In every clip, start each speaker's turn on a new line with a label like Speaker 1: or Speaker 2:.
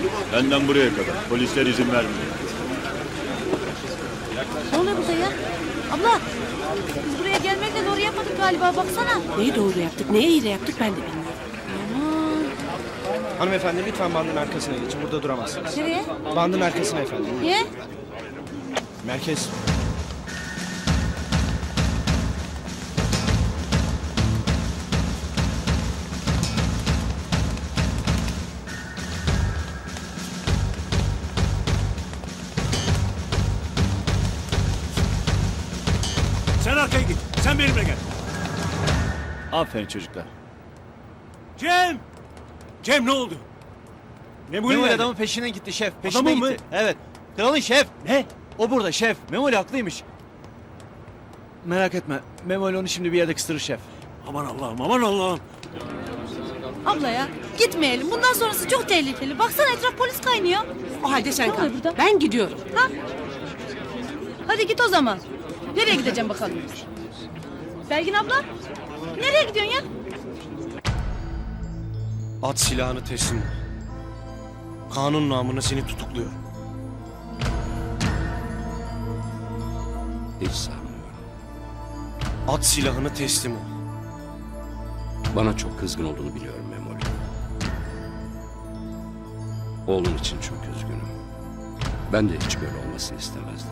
Speaker 1: Benden buraya kadar. Polisler izin vermiyor.
Speaker 2: Ne oluyor burada ya? Abla, biz buraya gelmekle doğru yapmadık galiba, baksana.
Speaker 3: Neyi doğru yaptık, neyi iyi de yaptık ben de bilmiyorum.
Speaker 2: Aman.
Speaker 4: Hanımefendi lütfen bandın arkasına geçin. Burada duramazsınız.
Speaker 2: Nereye?
Speaker 4: Bandın arkasına efendim.
Speaker 2: Niye?
Speaker 4: Merkez.
Speaker 5: Sen arkaya git. Sen benimle gel.
Speaker 1: Aferin çocuklar.
Speaker 5: Cem! Cem ne oldu? Memoli
Speaker 6: Memoli
Speaker 5: nerede?
Speaker 6: adamın peşine gitti şef. Peşine
Speaker 5: Adamın
Speaker 6: gitti.
Speaker 5: mı?
Speaker 6: Evet. Kralın şef.
Speaker 5: Ne?
Speaker 6: O burada şef. Memoli haklıymış. Merak etme. Memoli onu şimdi bir yerde kıstırır şef.
Speaker 5: Aman Allah'ım, aman Allah'ım.
Speaker 2: Abla ya, gitmeyelim. Bundan sonrası çok tehlikeli. Baksana etraf polis kaynıyor.
Speaker 3: O halde sen
Speaker 2: Ne
Speaker 3: kal.
Speaker 2: oluyor burada?
Speaker 3: Ben gidiyorum.
Speaker 2: Ha? Hadi git o zaman. Nereye gideceğim bakalım? Belgin abla, nereye gidiyorsun ya?
Speaker 4: At silahını teslim ol. Kanun namına seni tutukluyor.
Speaker 7: Hiç sanmıyorum.
Speaker 4: At silahını teslim ol.
Speaker 7: Bana çok kızgın olduğunu biliyorum Memoli. Oğlum için çok üzgünüm. Ben de hiç böyle olmasını istemezdim.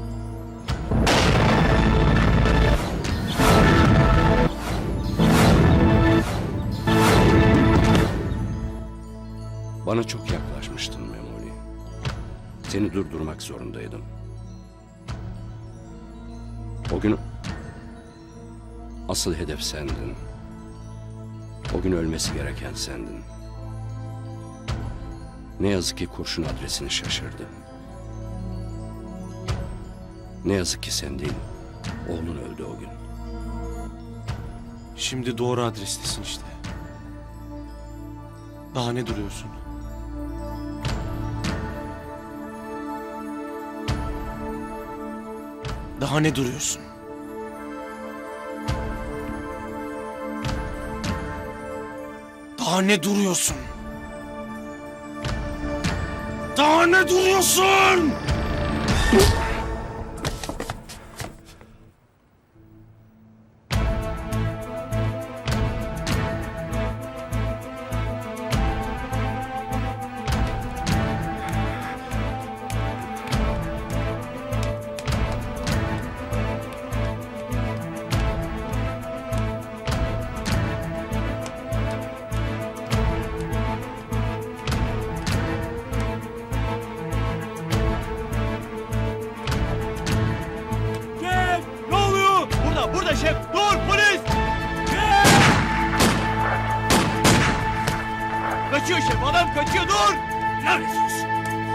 Speaker 7: Bana çok yaklaşmıştın Memoli. Seni durdurmak zorundaydım. O gün asıl hedef sendin. O gün ölmesi gereken sendin. Ne yazık ki kurşun adresini şaşırdı. Ne yazık ki sen değil, oğlun öldü o gün.
Speaker 4: Şimdi doğru adrestesin işte. Daha ne duruyorsun? Daha ne duruyorsun? Daha ne duruyorsun? Daha ne duruyorsun?
Speaker 5: Cem! Ne oluyor?
Speaker 6: Burada şef. Dur polis. Kaçıyor şef. Adam kaçıyor. Dur.
Speaker 5: Lanet olsun.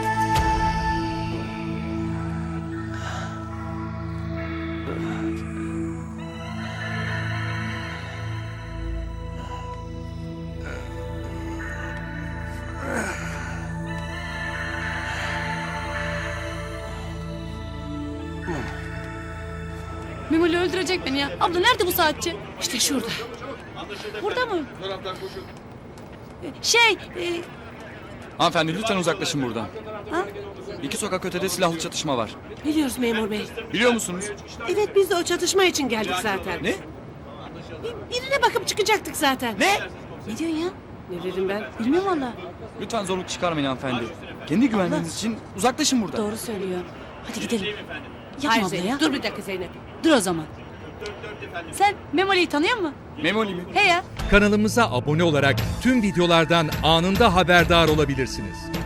Speaker 2: Memoli öldürecek beni ya. Abla nerede bu saatçi?
Speaker 3: İşte şurada.
Speaker 2: Burada mı? Şey,
Speaker 8: Hanımefendi lütfen uzaklaşın buradan.
Speaker 2: Ha?
Speaker 8: 2 sokak ötede silahlı çatışma var.
Speaker 3: Biliyoruz memur bey.
Speaker 8: Biliyor musunuz?
Speaker 3: Evet biz de o çatışma için geldik zaten.
Speaker 8: Ne?
Speaker 3: Birine bakıp çıkacaktık zaten.
Speaker 6: Ne?
Speaker 2: ne diyorsun ya?
Speaker 3: Ne dedim ben?
Speaker 2: Bilmiyorum valla.
Speaker 8: Lütfen zorluk çıkarmayın hanımefendi. Kendi güvenliğiniz için uzaklaşın buradan.
Speaker 2: Doğru söylüyor. Hadi gidelim. Yapma
Speaker 3: Hayır
Speaker 2: abla
Speaker 3: Zeynep.
Speaker 2: ya.
Speaker 3: Dur bir dakika Zeynep.
Speaker 2: Dur o zaman. Sen Memoli'yi tanıyor musun?
Speaker 8: Memoli mi?
Speaker 2: He ya.
Speaker 9: Kanalımıza abone olarak tüm videolardan anında haberdar olabilirsiniz.